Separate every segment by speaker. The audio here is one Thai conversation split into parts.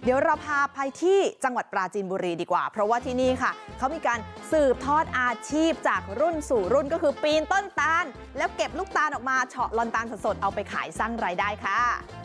Speaker 1: เดี๋ยวเราพาไปที่จังหวัดปราจีนบุรีดีกว่าเพราะว่าที่นี่ค่ะเขามีการสืบทอดอาชีพจากรุ่นสู่รุ่นก็คือปีนต้นตาลแล้วเก็บลูกตาลออกมาเฉาะลอนตาลสดๆเอาไปขายสร้างรายได้ค่ะ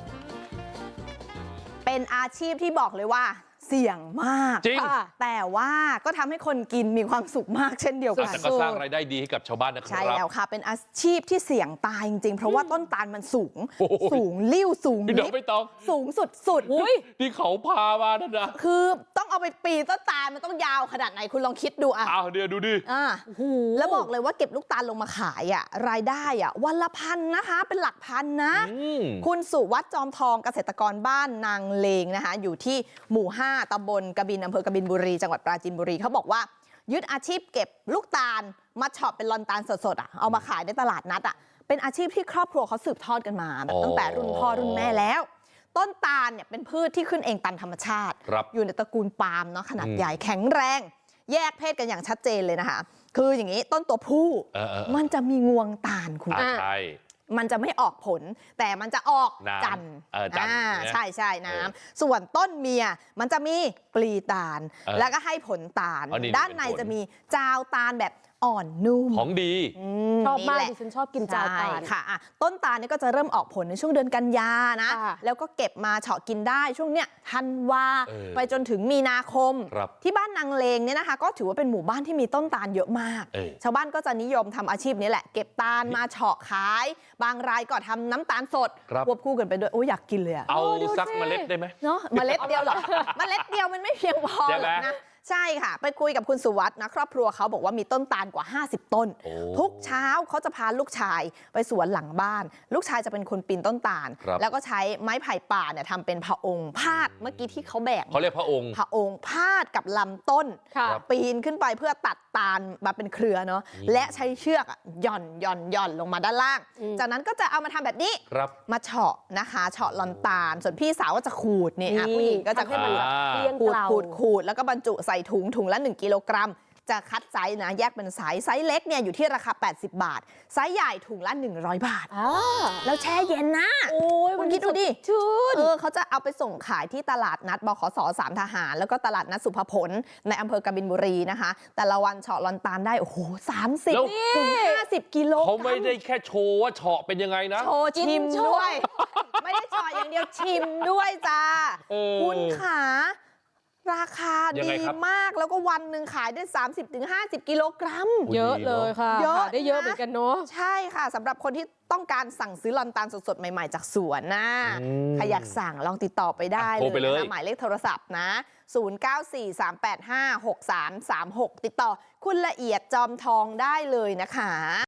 Speaker 1: เป็นอาชีพที่บอกเลยว่าเสี่ยงมาก
Speaker 2: จริง
Speaker 1: แต่ว่าก็ทำให้คนกินมีความสุขมากเช่นเดียวกัน
Speaker 2: แต่ก็สร้างรายได้ดีให้กับชาวบ้านนะครับ
Speaker 1: ใช่แล้วค่ะเป็นอาชีพที่เสี่ยงตายจริงๆเพราะว่าต้นตาลมันสูงลิ่วสูง
Speaker 2: ลิบไม่ต้อง
Speaker 1: สูงสุด
Speaker 2: ๆที่เขาพามานั่นนะ
Speaker 1: คือต้องเอาไปปีนต้นตาลมันต้องยาวขนาดไหนคุณลองคิดดูอ่ะ
Speaker 2: เดี๋ยวดูดิ
Speaker 1: แล้วบอกเลยว่าเก็บลูกตาลลงมาขายอ่ะรายได้อ่ะวันละพันนะคะเป็นหลักพันนะคุณสุวัฒน์จอมทองเกษตรกรบ้านนางเลงนะคะอยู่ที่หมู่5ตำบลกบินอำเภอกบินบุรีจังหวัดปราจีนบุรีเขาบอกว่ายึดอาชีพเก็บลูกตาลมาเฉาะเป็นลอนตาลสดๆอ่ะเอามาขายในตลาดนัดอ่ะเป็นอาชีพที่ครอบครัวเขาสืบทอดกันมาแบบตั้งแต่รุ่นพ่อรุ่นแม่แล้วต้นตาลเนี่ยเป็นพืชที่ขึ้นเองตามธรรมชาติอยู่ในตระกูลปาล์มเนาะขนาดใหญ่แข็งแรงแยกเพศกันอย่างชัดเจนเลยนะคะคืออย่างนี้ต้นตัวผู้มันจะมีงวงตาลคุณ
Speaker 2: ใช่
Speaker 1: มันจะไม่ออกผลแต่มันจะออกจันทร์ใช่น้ำส่วนต้นเมียมันจะมีปลีตาลแล้วก็ให้ผลตาลด้านในจะมีจาวตาลแบบอ่อนนุ่ม
Speaker 2: ของดี
Speaker 3: ชอบมากดิฉันชอบกินจาวตาล
Speaker 1: ค่ะต้นตาลนี่ก็จะเริ่มออกผลในช่วงเดือนกันยานะแล้วก็เก็บมาเฉาะกินได้ช่วงเนี้ยธันวาไปจนถึงมีนาคมที่บ้านนางเลงเนี่ยนะคะก็ถือว่าเป็นหมู่บ้านที่มีต้นตาลเยอะมากชาวบ้านก็จะนิยมทำอาชีพนี้แหละเก็บตาลมาเฉาะขายบางรายก็ทำน้ำตาลสดควบคู่กันไปด้วยโอ้ยอยากกินเลย
Speaker 2: เอาสักเมล็ดได้ไหม
Speaker 1: เนาะเมล็ดเดียวหรอเมล็ดเดียวมันไม่เพียงพอนะใช่ค่ะไปคุยกับคุณสุวัฒน์นะครอบครัวเขาบอกว่ามีต้นตาลกว่า50ต้นทุกเช้าเขาจะพาลูกชายไปสวนหลังบ้านลูกชายจะเป็นคนปีนต้นตาลแล้วก็ใช้ไม้ไผ่ป่าเนี่ยทำเป็นพะองค์พาดเมื่อกี้ที่เขาแบก
Speaker 2: เขาเรียกพะองค์
Speaker 1: พาดกับลำต้นปีนขึ้นไปเพื่อตัดตาลมาเป็นเครือเนาะและใช้เชือกหย่อนลงมาด้านล่างจากนั้นก็จะเอามาทำแบบนี้มาเฉาะนะคะเฉาะลอนตาลส่วนพี่สาวก็จะขูดนี่ผู้หญิงก็จะขูดแล้วก็บรรจุใส่ถุงละ1 กิโลกรัมจะคัดไซส์นะแยกเป็นไซส์เล็กเนี่ยอยู่ที่ราคา80 บาทไซส์ใหญ่ถุงละ100 บาทแล้วแช่เย็นนะคุณคิดดูดิเขาจะเอาไปส่งขายที่ตลาดนัดบขส3ทหารแล้วก็ตลาดนัดสุภพลในอำเภอกบินบุรีนะคะแต่ละวันเฉาะลอนตาลได้โอ้โห30 ถึง 50 กิโล
Speaker 2: เขาไม่ได้แค่โชว์ว่าเฉาะเป็นยังไงนะ
Speaker 1: โชว์ชิมด้วยไม่ได้เฉาะอย่างเดียวชิมด้วยจ้าคุณขาราคาดีมากแล้วก็วันหนึ่งขายได้30-50 กิโลกรัม
Speaker 3: เยอะเลยค่ะได้เยอะเหมือนกันเนาะ
Speaker 1: ใช่ค่ะสำหรับคนที่ต้องการสั่งซื้อลอนตาลสดๆใหม่ๆจากสวนนะใครอยากสั่งลองติดต่อไปได้เลยนะหมายเลขโทรศัพท์นะ0943856336ติดต่อคุณละเอียดจอมทองได้เลยนะคะ